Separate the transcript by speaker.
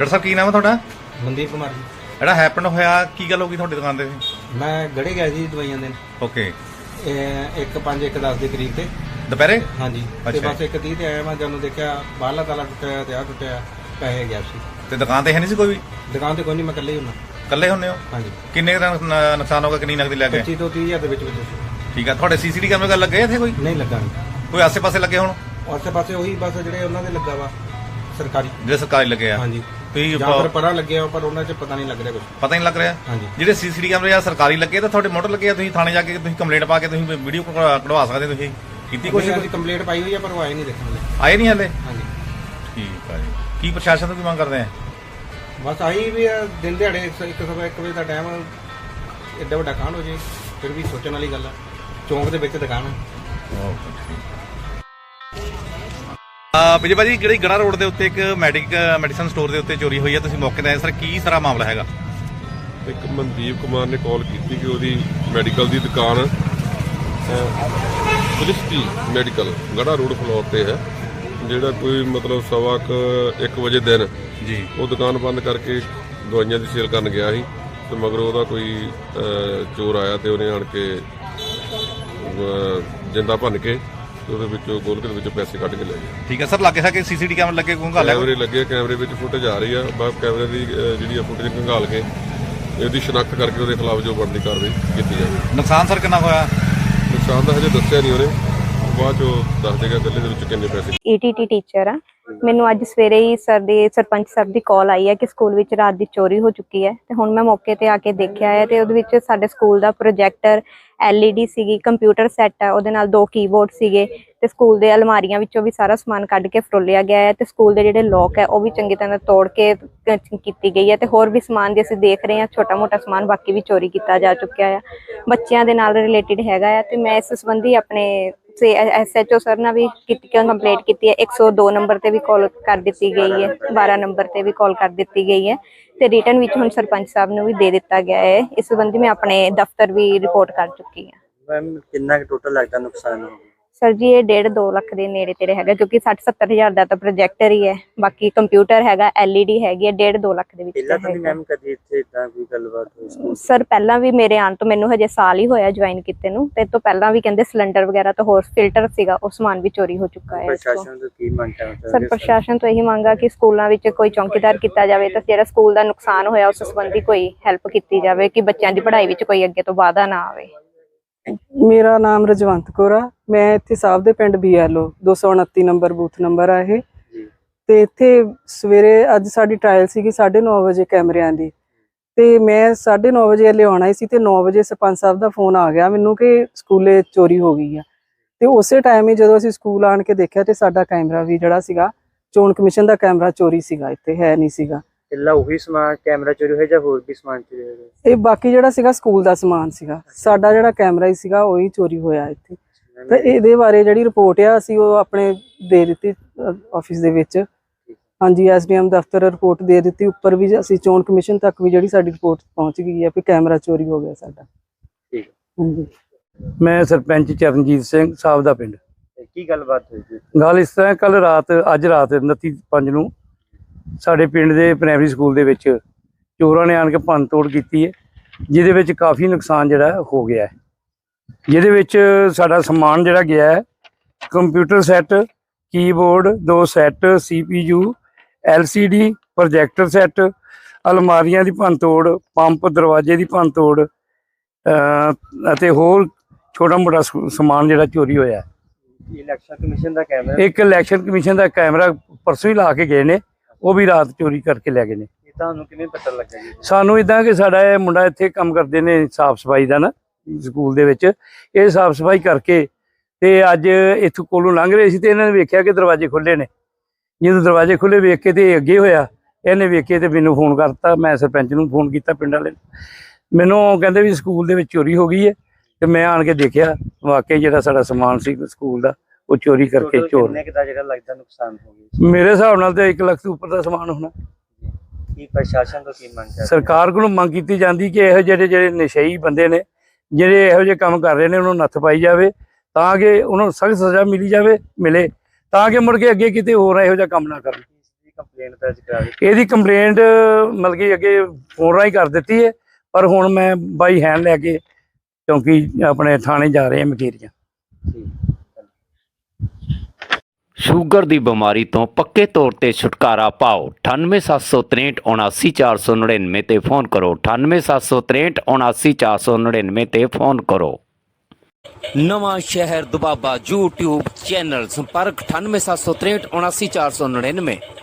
Speaker 1: Doctor ਸਾਹਿਬ ਕੀ ਨਾਮ ਹੈ ਤੁਹਾਡਾ?
Speaker 2: ਮਨਦੀਪ ਕੁਮਾਰ ਜੀ।
Speaker 1: ਜਿਹੜਾ ਹੈਪਨ ਹੋਇਆ ਕੀ ਗੱਲ ਹੋ ਗਈ ਤੁਹਾਡੀ ਦੁਕਾਨ ਤੇ?
Speaker 2: ਮੈਂ ਗੜੇ ਗਿਆ ਜੀ ਦਵਾਈਆਂ ਦੇਣ।
Speaker 1: ਓਕੇ।
Speaker 2: 1:05 1:10 ਦੇ ਕਰੀਬ ਤੇ
Speaker 1: ਦੁਪਹਿਰੇ?
Speaker 2: ਹਾਂਜੀ। ਤੇ ਬਸ 1:30 ਤੇ ਆਇਆ ਮੈਂ, ਜਦੋਂ ਦੇਖਿਆ ਬਾਹਰਲਾ ਤਾਲਾ ਟੁੱਟਿਆ ਤੇ ਆ ਟੁੱਟਿਆ, ਪੈਸੇ ਗਿਆ ਸੀ।
Speaker 1: ਤੇ ਦੁਕਾਨ ਤੇ ਹੈ ਨਹੀਂ ਸੀ ਕੋਈ ਵੀ?
Speaker 2: ਦੁਕਾਨ ਤੇ ਕੋਈ ਨਹੀਂ, ਮੈਂ ਇਕੱਲੇ ਹੀ ਹੁੰਨਾ।
Speaker 1: ਇਕੱਲੇ ਹੁੰਦੇ ਹੋ?
Speaker 2: ਹਾਂਜੀ।
Speaker 1: ਕਿੰਨੇ ਦਾ ਨੁਕਸਾਨ ਹੋਗਾ? ਕਿੰਨੀ ਨਕਦੀ ਲੈ ਗਏ?
Speaker 2: 25 ਤੋਂ 30 ਹਜ਼ਾਰ ਦੇ ਵਿੱਚ ਸੀ।
Speaker 1: ਠੀਕ ਆ। ਤੁਹਾਡੇ ਸੀਸੀਟੀ ਕੈਮਰੇ ਗੱਲ ਲੱਗੇ ਇੱਥੇ ਕੋਈ?
Speaker 2: ਨਹੀਂ ਲੱਗਾ ਨਹੀਂ।
Speaker 1: ਕੋਈ ਆਸੇ-ਪਾਸੇ ਲੱਗੇ ਹੁਣ?
Speaker 2: ਆਸੇ-ਪਾਸੇ ਉਹੀ ਬਸ ਜਿਹੜੇ ਉਹਨਾਂ ਦੇ ਲੱਗਾ ਵਾ ਸਰਕਾਰੀ,
Speaker 1: ਜਿਹੜੇ ਸਰਕਾਰੀ ਲੱਗੇ ਆ।
Speaker 2: ਹਾਂਜੀ।
Speaker 1: ਤੁਸੀਂ
Speaker 2: ਜਾਂ ਫਿਰ ਪਰਾਂ ਲੱਗਿਆ ਪਰ ਉਹਨਾਂ 'ਚ ਪਤਾ ਨਹੀਂ ਲੱਗ ਰਿਹਾ ਕੁਝ।
Speaker 1: ਪਤਾ ਨਹੀਂ ਲੱਗ ਰਿਹਾ?
Speaker 2: ਹਾਂਜੀ।
Speaker 1: ਜਿਹੜੇ ਸੀਸੀਟੀ ਕੈਮਰੇ ਆ ਸਰਕਾਰੀ ਲੱਗੇ ਤਾਂ ਤੁਹਾਡੇ ਮੋਟਰ ਲੱਗੇ ਆ, ਤੁਸੀਂ ਥਾਣੇ ਜਾ ਕੇ ਤੁਸੀਂ ਕੰਪਲੇਂਟ ਪਾ ਕੇ ਤੁਸੀਂ ਵੀਡੀਓ ਕਢਵਾ ਸਕਦੇ ਤੁਸੀਂ ਕੀਤੀ ਕੋਸ਼ਿਸ਼?
Speaker 2: ਅਸੀਂ ਕੰਪਲੇਂਟ ਪਾਈ ਹੋਈ ਆ ਪਰ ਉਹ ਆਏ ਨਹੀਂ ਦੇਖਣ ਲਈ।
Speaker 1: ਆਏ ਨਹੀਂ ਹਲੇ?
Speaker 2: ਹਾਂਜੀ।
Speaker 1: ਠੀਕ ਆ ਜੀ। ਕੀ ਪ੍ਰਸ਼ਾਸਨ ਤੋਂ ਕੀ ਮੰਗ ਕਰਦੇ ਆ?
Speaker 2: ਬਸ ਆਹੀ ਵੀ ਦਿਨ ਦਿਹਾੜੇ 1 ਵਜੇ ਦਾ ਟਾਈਮ, ਐਡਾ ਵੱਡਾ ਕਾਂਡ ਹੋ ਜੇ ਫਿਰ ਵੀ ਸੋਚਣ ਵਾਲੀ ਗੱਲ ਆ। ਚੌਂਕ ਦੇ ਵਿੱਚ ਦੁਕਾਨ ਆ।
Speaker 1: ਵਿਜੇ ਭਾਜੀ, ਜਿਹੜੀ ਗੜਾ ਰੋਡ ਦੇ ਉੱਤੇ ਇੱਕ ਮੈਡੀਸਨ ਸਟੋਰ ਦੇ ਉੱਤੇ ਚੋਰੀ ਹੋਈ ਹੈ, ਤੁਸੀਂ ਮੌਕੇ ਤੇ ਆਏ ਸਰ, ਕੀ ਸਾਰਾ ਮਾਮਲਾ ਹੈਗਾ?
Speaker 3: ਇੱਕ ਮਨਦੀਪ ਕੁਮਾਰ ਨੇ ਕਾਲ ਕੀਤੀ ਕਿ ਉਹਦੀ ਮੈਡੀਕਲ ਦੀ ਦੁਕਾਨ Christy medical Garha road floor ਤੇ ਹੈ, ਜਿਹੜਾ ਕੋਈ ਮਤਲਬ 1:15 ਵਜੇ ਦਿਨ
Speaker 1: ਜੀ
Speaker 3: ਉਹ ਦੁਕਾਨ ਬੰਦ ਕਰਕੇ ਦਵਾਈਆਂ ਦੀ ਸੇਲ ਕਰਨ ਗਿਆ ਸੀ ਤੇ ਮਗਰੋਂ ਉਹਦਾ ਕੋਈ ਚੋਰ ਆਇਆ ਤੇ ਉਹਨੇ ਆਣ ਕੇ ਜਿੰਦਾ ਭੰਨ ਕੇ ਉਹਦੇ ਵਿੱਚੋਂ ਗੋਲਕ ਦੇ ਵਿੱਚੋਂ ਪੈਸੇ ਕੱਢ ਕੇ ਲੈ ਗਏ।
Speaker 1: ਠੀਕ ਹੈ ਸਰ। ਲੱਗੇ ਸਾਕੇ ਸੀਸੀਟੀ ਕੈਮਰੇ ਲੱਗੇ
Speaker 3: ਕੈਮਰੇ ਲੱਗੇ, ਕੈਮਰੇ ਵਿੱਚ ਫੁਟੇਜ ਆ ਰਹੀ ਆ। ਬਸ ਕੈਮਰੇ ਦੀ ਜਿਹੜੀ ਆ ਫੁਟੇਜ ਖੰਗਾਲ ਕੇ ਇਹਦੀ ਸ਼ਨਾਖਤ ਕਰਕੇ ਉਹਦੇ ਖਿਲਾਫ ਜੋ ਬਣਦੀ ਕਾਰਵਾਈ ਕੀਤੀ ਜਾਵੇ।
Speaker 1: ਨੁਕਸਾਨ ਸਰ ਕਿੰਨਾ ਹੋਇਆ?
Speaker 3: ਨੁਕਸਾਨ ਦਾ ਹਜੇ ਦੱਸਿਆ ਨਹੀਂ ਉਹਨੇ, ਬਾਅਦ ਚੋਂ ਦੱਸ ਦੇਗਾ ਗੱਲੇ ਦੇ ਵਿੱਚ ਕਿੰਨੇ ਪੈਸੇ।
Speaker 4: ETT ਟੀਚਰ ਆ। ਮੈਨੂੰ ਅੱਜ ਸਵੇਰੇ ਹੀ ਸਰਪੰਚ ਸਾਹਿਬ ਦੀ ਕਾਲ ਆਈ ਹੈ ਕਿ ਸਕੂਲ ਵਿੱਚ ਰਾਤ ਦੀ ਚੋਰੀ ਹੋ ਚੁੱਕੀ ਹੈ ਤੇ ਹੁਣ ਮੈਂ ਮੌਕੇ ਤੇ ਆ ਕੇ ਦੇਖਿਆ ਹੈ ਤੇ ਉਹਦੇ ਵਿੱਚ ਸਾਡੇ ਸਕੂਲ ਦਾ ਪ੍ਰੋਜੈਕਟਰ, LED ਸੀਗੀ, ਕੰਪਿਊਟਰ ਸੈੱਟ ਹੈ, ਉਹਦੇ ਨਾਲ 2 ਕੀਬੋਰਡ ਸੀਗੇ ਤੇ ਸਕੂਲ ਦੇ ਅਲਮਾਰੀਆਂ ਵਿੱਚੋਂ ਵੀ ਸਾਰਾ ਸਮਾਨ ਕੱਢ ਕੇ ਫਰੋਲਿਆ ਗਿਆ ਹੈ ਤੇ ਸਕੂਲ ਦੇ ਜਿਹੜੇ ਲੋਕ ਹੈ ਉਹ ਵੀ ਚੰਗੀ ਤਰ੍ਹਾਂ ਤੋੜ ਕੇ ਕੀਤੀ ਗਈ ਹੈ ਤੇ ਹੋਰ ਵੀ ਸਮਾਨ ਜੇ ਅਸੀਂ ਦੇਖ ਰਹੇ ਹਾਂ ਛੋਟਾ ਮੋਟਾ ਸਮਾਨ ਬਾਕੀ ਵੀ ਚੋਰੀ ਕੀਤਾ ਜਾ ਚੁੱਕਿਆ ਹੈ। ਬੱਚਿਆਂ ਦੇ ਨਾਲ ਰਿਲੇਟਿਡ ਹੈਗਾ ਹੈ ਤੇ ਮੈਂ ਇਸ ਸੰਬੰਧੀ ਆਪਣੇ SHO ਸਰ ਨਾਲ ਵੀ ਕੰਪਲੇਂਟ ਕੀਤੀ ਹੈ। 102 ਨੰਬਰ ਤੇ ਵੀ ਕਾਲ ਕਰ ਦਿੱਤੀ ਗਈ ਹੈ, 12 ਨੰਬਰ ਤੇ ਵੀ ਕਾਲ ਕਰ ਦਿੱਤੀ ਗਈ ਹੈ ਤੇ ਰਿਟਨ ਵਿੱਚ ਹੁਣ ਸਰਪੰਚ ਸਾਹਿਬ ਨੂੰ ਵੀ ਦੇ ਦਿੱਤਾ ਗਿਆ ਹੈ। ਇਸ ਸੰਬੰਧੀ ਮੈਂ ਆਪਣੇ ਦਫ਼ਤਰ ਵੀ ਰਿਪੋਰਟ ਕਰ ਚੁੱਕੀ ਹਾਂ।
Speaker 5: ਮੈਮ ਕਿੰਨਾ ਟੋਟਲ ਲੱਗਦਾ ਨੁਕਸਾਨ?
Speaker 4: ਸਰ ਜੀ ਇਹ 1.5-2 ਲੱਖ ਦੇ ਨੇੜੇ ਤੇੜੇ ਹੈਗਾ, ਕਿਉਂਕਿ 60-70 ਹਜ਼ਾਰ ਦਾ ਤਾਂ ਪ੍ਰੋਜੈਕਟਰ ਹੀ ਹੈ, ਬਾਕੀ ਕੰਪਿਊਟਰ ਹੈਗਾ, LED ਹੈਗੀ ਹੈ, 1.5-2 ਲੱਖ ਦੇ ਵਿੱਚ
Speaker 5: ਪਹਿਲਾਂ ਤਾਂ ਨਹੀਂ ਮੈਮ ਕਦੀ ਇੱਥੇ ਇਦਾਂ ਕੋਈ ਗੱਲਬਾਤ ਹੋਈ?
Speaker 4: ਸਰ ਪਹਿਲਾਂ ਵੀ ਮੇਰੇ ਆਉਣ ਤੋਂ ਮੈਨੂੰ ਹਜੇ ਸਾਲ ਹੀ ਹੋਇਆ ਜੁਆਇਨ ਕੀਤੇ ਨੂੰ, ਤੇ ਤੋਂ ਪਹਿਲਾਂ ਵੀ ਕਹਿੰਦੇ ਸਿਲੰਡਰ ਵਗੈਰਾ ਤੋਂ ਹੋਰ ਫਿਲਟਰ ਸੀਗਾ, ਉਹ ਸਮਾਨ ਵੀ ਚੋਰੀ ਹੋ ਚੁੱਕਾ ਹੈ।
Speaker 5: ਪ੍ਰਸ਼ਾਸਨ ਤੋਂ ਕੀ ਮੰਗ ਕਰਦੇ
Speaker 4: ਸਰ ਪ੍ਰਸ਼ਾਸਨ ਤੋਂ ਇਹੀ ਮੰਗਾ ਕਿ ਸਕੂਲਾਂ ਵਿੱਚ ਕੋਈ ਚੌਕੀਦਾਰ ਕੀਤਾ ਜਾਵੇ ਤਾਂ ਜਿਹੜਾ ਸਕੂਲ ਦਾ ਨੁਕਸਾਨ ਹੋਇਆ ਉਸ ਸੰਬੰਧੀ ਕੋਈ ਹੈਲਪ ਕੀਤੀ ਜਾਵੇ ਕਿ ਬੱਚਿਆਂ ਦੀ ਪੜ੍ਹਾਈ ਵਿੱਚ ਕੋਈ ਅੱਗੇ ਤੋਂ ਵਾਧਾ ਨਾ ਆਵੇ।
Speaker 6: ਮੇਰਾ ਨਾਮ ਰਜਵੰਤ ਕੌਰ ਆ। ਮੈਂ ਇੱਥੇ ਸਾਹਿਬ ਦੇ ਪਿੰਡ BLO 229 ਨੰਬਰ ਬੂਥ ਨੰਬਰ ਆ ਇਹ। ਤੇ ਇੱਥੇ ਸਵੇਰੇ ਅੱਜ ਸਾਡੀ ਟ੍ਰਾਇਲ ਸੀਗੀ 9:30 ਵਜੇ ਕੈਮਰਿਆਂ ਦੀ, ਤੇ ਮੈਂ 9:30 ਵਜੇ ਲਿਆਉਣਾ ਹੀ ਸੀ ਤੇ 9 ਵਜੇ ਸਰਪੰਚ ਸਾਹਿਬ ਦਾ ਫੋਨ ਆ ਗਿਆ ਮੈਨੂੰ ਕਿ ਸਕੂਲੇ ਚੋਰੀ ਹੋ ਗਈ ਆ। ਤੇ ਉਸੇ ਟਾਈਮ ਹੀ ਜਦੋਂ ਅਸੀਂ ਸਕੂਲ ਆਣ ਕੇ ਦੇਖਿਆ ਤੇ ਸਾਡਾ ਕੈਮਰਾ ਵੀ ਜਿਹੜਾ ਸੀਗਾ ਚੋਣ ਕਮਿਸ਼ਨ ਦਾ ਕੈਮਰਾ ਚੋਰੀ ਸੀਗਾ, ਇੱਥੇ ਹੈ ਨਹੀਂ ਸੀਗਾ।
Speaker 5: ਇਲਾ ਉਹੀ ਸਮਾਨ ਕੈਮਰਾ ਚੋਰੀ ਹੋਇਆ ਜਾਂ ਹੋਰ ਵੀ ਸਮਾਨ ਚੋਰੀ ਹੋਇਆ?
Speaker 6: ਇਹ ਬਾਕੀ ਜਿਹੜਾ ਸੀਗਾ ਸਕੂਲ ਦਾ ਸਮਾਨ ਸੀਗਾ, ਸਾਡਾ ਜਿਹੜਾ ਕੈਮਰਾ ਹੀ ਸੀਗਾ ਉਹੀ ਚੋਰੀ ਹੋਇਆ ਇੱਥੇ। ਤੇ ਇਹਦੇ ਬਾਰੇ ਜਿਹੜੀ ਰਿਪੋਰਟ ਆ ਅਸੀਂ ਉਹ ਆਪਣੇ ਦੇ ਦਿੱਤੀ ਆਫਿਸ ਦੇ ਵਿੱਚ। ਹਾਂਜੀ, SDM ਦਫ਼ਤਰ ਰਿਪੋਰਟ ਦੇ ਦਿੱਤੀ। ਉੱਪਰ ਵੀ ਅਸੀਂ ਚੋਣ ਕਮਿਸ਼ਨ ਤੱਕ ਵੀ ਜਿਹੜੀ ਸਾਡੀ ਰਿਪੋਰਟ ਪਹੁੰਚ ਗਈ ਹੈ ਕਿ ਕੈਮਰਾ ਚੋਰੀ ਹੋ ਗਿਆ ਸਾਡਾ।
Speaker 5: ਠੀਕ।
Speaker 6: ਹਾਂਜੀ।
Speaker 7: ਮੈਂ ਸਰਪੰਚ ਚਰਨਜੀਤ ਸਿੰਘ ਸਾਹਿਬ ਦਾ ਪਿੰਡ।
Speaker 5: ਕੀ ਗੱਲਬਾਤ ਹੋਈ ਜੀ?
Speaker 7: ਗੱਲ ਇਸ ਤਰ੍ਹਾਂ, ਅੱਜ ਰਾਤ 29/5 ਨੂੰ ਸਾਡੇ ਪਿੰਡ ਦੇ ਪ੍ਰਾਇਮਰੀ ਸਕੂਲ ਦੇ ਵਿੱਚ ਚੋਰਾਂ ਨੇ ਆਣ ਕੇ ਭੰਨ ਤੋੜ ਕੀਤੀ ਹੈ, ਜਿਹਦੇ ਵਿੱਚ ਕਾਫੀ ਨੁਕਸਾਨ ਜਿਹੜਾ ਹੋ ਗਿਆ ਹੈ। ਜਿਹਦੇ ਵਿੱਚ ਸਾਡਾ ਸਮਾਨ ਜਿਹੜਾ ਗਿਆ ਹੈ, computer set, keyboard, 2 set, CPU, LCD, projector set, ਅਲਮਾਰੀਆਂ ਦੀ ਭੰਨ ਤੋੜ, ਪੰਪ, ਦਰਵਾਜ਼ੇ ਦੀ ਭੰਨ ਤੋੜ ਅਤੇ ਹੋਰ ਛੋਟਾ ਮੋਟਾ ਸਮਾਨ ਜਿਹੜਾ ਚੋਰੀ ਹੋਇਆ।
Speaker 5: ਇਲੈਕਸ਼ਨ ਕਮਿਸ਼ਨ ਦਾ ਕੈਮਰਾ?
Speaker 7: ਇੱਕ ਇਲੈਕਸ਼ਨ ਕਮਿਸ਼ਨ ਦਾ ਕੈਮਰਾ ਪਰਸੋਂ ਹੀ ਲਾ ਕੇ ਗਏ ਨੇ, ਉਹ ਵੀ ਰਾਤ ਚੋਰੀ ਕਰਕੇ ਲੈ ਗਏ ਨੇ।
Speaker 5: ਇਹ ਤੁਹਾਨੂੰ ਕਿਵੇਂ ਪਤਾ ਲੱਗਾ ਜੀ?
Speaker 7: ਸਾਨੂੰ ਇਦਾਂ ਕਿ ਸਾਡਾ ਇਹ ਮੁੰਡਾ ਇੱਥੇ ਕੰਮ ਕਰਦੇ ਨੇ ਸਾਫ ਸਫਾਈ ਦਾ ਨਾ ਸਕੂਲ ਦੇ ਵਿੱਚ, ਇਹ ਸਾਫ ਸਫਾਈ ਕਰਕੇ ਤੇ ਅੱਜ ਇੱਥੋਂ ਕੋਲੋਂ ਲੰਘ ਰਹੇ ਸੀ ਤੇ ਇਹਨਾਂ ਨੇ ਵੇਖਿਆ ਕਿ ਦਰਵਾਜ਼ੇ ਖੁੱਲੇ ਨੇ। ਜਦੋਂ ਦਰਵਾਜ਼ੇ ਖੁੱਲੇ ਵੇਖ ਕੇ ਤੇ ਅੱਗੇ ਹੋਇਆ, ਇਹਨੇ ਵੇਖੇ ਤੇ ਮੈਨੂੰ ਫੋਨ ਕਰਤਾ। ਮੈਂ ਸਰਪੰਚ ਨੂੰ ਫੋਨ ਕੀਤਾ ਪਿੰਡ ਵਾਲੇ ਨੂੰ, ਮੈਨੂੰ ਕਹਿੰਦੇ ਵੀ ਸਕੂਲ ਦੇ ਵਿੱਚ ਚੋਰੀ ਹੋ ਗਈ ਹੈ ਤੇ ਮੈਂ ਆਣ ਕੇ ਦੇਖਿਆ ਵਾਕਈ ਜਿਹੜਾ ਸਾਡਾ ਸਮਾਨ ਸੀ ਸਕੂਲ ਦਾ ਉਹ ਚੋਰੀ ਕਰਕੇ ਚੋਰ।
Speaker 5: ਕਿੰਨੇ ਕੁ ਦਾ ਜਿਹੜਾ ਲੱਗਦਾ ਨੁਕਸਾਨ ਹੋ ਗਿਆ?
Speaker 7: ਮੇਰੇ ਹਿਸਾਬ ਨਾਲ ਤੇ 1 ਲੱਖ ਤੋਂ ਉੱਪਰ ਦਾ ਸਮਾਨ ਹੋਣਾ।
Speaker 5: ਕੀ ਪ੍ਰਸ਼ਾਸਨ ਤੋਂ ਕੀ ਮੰਗ ਕਰਦੇ?
Speaker 7: ਸਰਕਾਰ ਕੋਲੋਂ ਮੰਗ ਕੀਤੀ ਜਾਂਦੀ ਕਿ ਇਹੋ ਜਿਹੜੇ ਨਸ਼ਈ ਬੰਦੇ ਨੇ, ਜਿਹੜੇ ਇਹੋ ਜਿਹੇ ਕੰਮ ਕਰ ਰਹੇ ਨੇ, ਉਹਨਾਂ ਨੂੰ ਨੱਥ ਪਾਈ ਜਾਵੇ ਤਾਂ ਕਿ ਉਹਨਾਂ ਨੂੰ ਸਖਤ ਸਜ਼ਾ ਮਿਲੇ ਤਾਂ ਕਿ ਮੁੜ ਕੇ ਅੱਗੇ ਕਿਤੇ ਹੋਰ ਇਹੋ ਜਿਹਾ ਕੰਮ ਨਾ ਕਰਨ।
Speaker 5: ਇਹਦੀ ਕੰਪਲੇਂਟ ਦਰਜ ਕਰਾ ਦਿੱਤੀ?
Speaker 7: ਇਹਦੀ ਕੰਪਲੇਂਟ ਮਤਲਬ ਕਿ ਅੱਗੇ ਫੋਨ ਰਾਹੀਂ ਕਰ ਦਿੱਤੀ ਹੈ, ਪਰ ਹੁਣ ਮੈਂ ਬਾਈ ਹੈਂਡ ਲੈ ਕੇ ਚੌਂਕੀ ਆਪਣੇ ਥਾਣੇ ਜਾ ਰਹੇ ਹਾਂ ਮਕੇਰੀਆਂ।
Speaker 8: ਸ਼ੂਗਰ ਦੀ ਬਿਮਾਰੀ ਤੋਂ ਪੱਕੇ ਤੌਰ ਤੇ ਛੁਟਕਾਰਾ ਪਾਓ। 9876379499 ਤੇ ਫੋਨ ਕਰੋ। 9876379499 ਤੇ ਫੋਨ ਕਰੋ। ਨਵਾਂ ਸ਼ਹਿਰ ਦੁਬਾਬਾ YouTube ਚੈਨਲ ਸੰਪਰਕ 9876379499।